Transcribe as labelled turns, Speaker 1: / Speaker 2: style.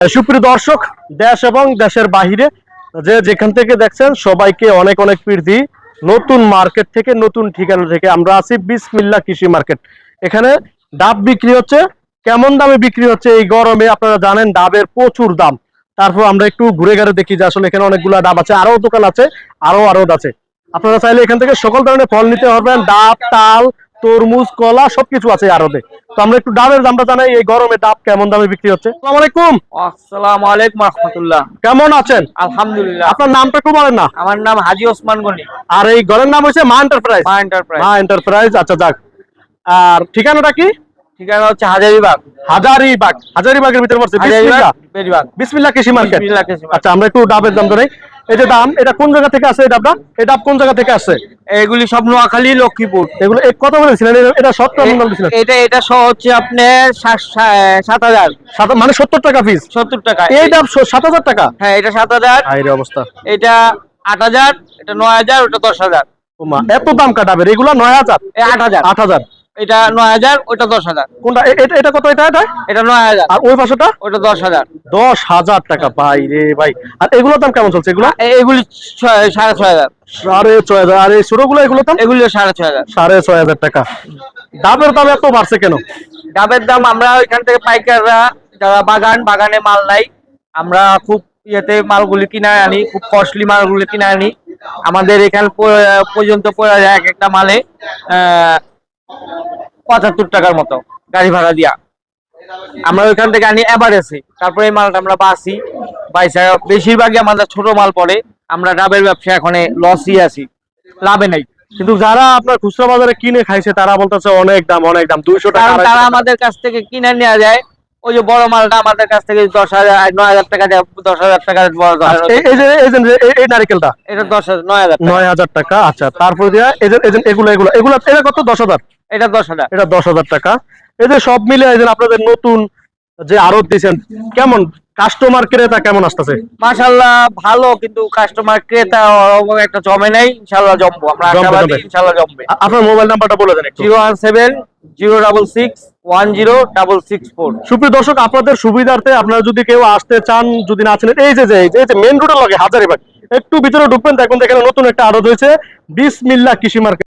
Speaker 1: সুপ্রিয় দর্শক, দেশ এবং দেশের বাহিরে যে যেখান থেকে দেখছেন সবাইকে অনেক অনেক প্রীতি। নতুন মার্কেট থেকে, নতুন ঠিকানা থেকে আমরা আছি বিসমিল্লাহ কৃষি মার্কেট। এখানে ডাব বিক্রি হচ্ছে। কেমন দামে বিক্রি হচ্ছে এই গরমে আপনারা জানেন, ডাবের প্রচুর দাম। তারপর আমরা একটু ঘুরে ঘুরে দেখি যে আসলে এখানে অনেকগুলো ডাব আছে, আরো দোকান আছে, আরো আছে। আপনারা চাইলে এখান থেকে সকল ধরনের ফল নিতে পারবেন। ডাব, তাল, তরমুজ, কলা সবকিছু আছে আরতে। তো আমরা একটু ডাবের দামটা জানাই, এই গরমে ডাব কেমন দামে বিক্রি হচ্ছে। আসসালামু আলাইকুম।
Speaker 2: আসসালামু আলাইকুম রাহমাতুল্লাহ।
Speaker 1: কেমন আছেন?
Speaker 2: আলহামদুলিল্লাহ।
Speaker 1: আপনার নামটা একটু বলেন না।
Speaker 2: আমার নাম হাজী ওসমান গনি।
Speaker 1: আর এই ঘরের নাম হচ্ছে মা এন্টারপ্রাইজ।
Speaker 2: মা এন্টারপ্রাইজ।
Speaker 1: মা এন্টারপ্রাইজ, আচ্ছা যাক। আর ঠিকানাটা কি?
Speaker 2: ঠিকানা হচ্ছে হাজারীবাগ।
Speaker 1: হাজারীবাগ। হাজারীবাগের ভিতরে পড়ছে
Speaker 2: হাজারীবাগ
Speaker 1: বিসমিল্লাহ কৃষি মার্কেট।
Speaker 2: বিসমিল্লাহ কৃষি মার্কেট।
Speaker 1: আচ্ছা, আমরা একটু ডাবের দাম ধরে। এই যে দাম, এটা কোন জায়গা থেকে আসে? এই ডাবটা, এই ডাব কোন জায়গা থেকে আসছে?
Speaker 2: এগুলি সব নোয়াখালী, লক্ষ্মীপুর।
Speaker 1: এগুলো কত বলেছিলেন? এটা 70 বলেছিলেন।
Speaker 2: এটা সহ হচ্ছে আপনার 7,000।
Speaker 1: মানে 70 টাকা পিস।
Speaker 2: 70 টাকা।
Speaker 1: এই ডাব 7,000 টাকা?
Speaker 2: হ্যাঁ, এটা 7,000।
Speaker 1: হাই রে অবস্থা।
Speaker 2: এটা 8,000, এটা 9,000, ওটা 10,000।
Speaker 1: ওমা, এত দাম কাটাবে? এগুলা 9,000,
Speaker 2: 8,000।
Speaker 1: 8,000।
Speaker 2: এটা 9,000, ওটা 10,000।
Speaker 1: কোনটা? এটা কত?
Speaker 2: এটা 9,000।
Speaker 1: আর ওই পাশেটা?
Speaker 2: ওটা 10,000।
Speaker 1: 10,000 টাকা। ভাই রে ভাই। আর এগুলোর দাম কেমন চলছে? এগুলো
Speaker 2: এগুলি 6,500।
Speaker 1: 6,500। আর এই ছোটগুলো, এগুলো দাম?
Speaker 2: এগুলি 6,500।
Speaker 1: 6,500 টাকা। ডাবের দাম এত বাড়ছে কেন?
Speaker 2: ডাবের দাম আমরা ওইখান থেকে পাইকাররা, যারা বাগানে মাল নাই, আমরা খুব ইয়েতে মালগুলি কিনে আনি, খুব কস্টলি মালগুলি কিনে আনি। আমাদের এখানে পর্যন্ত পড়ে যায় এক একটা মালে 75 টাকার মতো গাড়ি ভাড়া দিয়া। আমরা ওইখান থেকে আনি এভারেজে, তারপরে এই মালটা আমরা বাইসা বেশিরভাগই আমাদের ছোট মাল পড়ে। আমরা ডাবের ব্যবসা এখন লসই আছি, লাভে নাই।
Speaker 1: কিন্তু যারা আপনার খুচরা বাজারে কিনে খাইছে তারা বলতেছে অনেক দাম, অনেক দাম, 200 টাকা।
Speaker 2: কারণ তারা আমাদের কাছ থেকে কিনে নেওয়া যায়। ওই যে বড় মালটা আমাদের কাছ থেকে 10,000, 9,000 টাকা দেয়। 10,000 টাকা
Speaker 1: এই নারকেলটা,
Speaker 2: এটা 10,000, 9,000,
Speaker 1: 9,000 টাকা। আচ্ছা, তারপর দিয়া এগুলা কত? 10,000।
Speaker 2: এটা 10,000।
Speaker 1: এটা 10,000 টাকা। এই যে সব মিলে এই যে আপনাদের নতুন যে আড়ত দিয়েছেন, কেমন কাস্টমার ক্রেতা কেমন আসতেছে?
Speaker 2: মাশাআল্লাহ ভালো, কিন্তু কাস্টমার ক্রেতা একটা জমে নাই। ইনশাআল্লাহ জমবো, আমরা আশাবাদী ইনশাআল্লাহ জমবে।
Speaker 1: আপনার মোবাইল নাম্বারটা বলে দেন একটু।
Speaker 2: 017-066-1064।
Speaker 1: সুপ্রিয় দর্শক, আপনাদের সুবিধার্থে আপনারা যদি কেউ আসতে চান, যদি না চিনেন, এই যে মেন রোডের লগে হাজারীবাগ, একটু ভিতরে ঢুকবেন, দেখুন এখানে নতুন একটা আড়ত হয়েছে বিসমিল্লাহ কৃষি মার্কেট।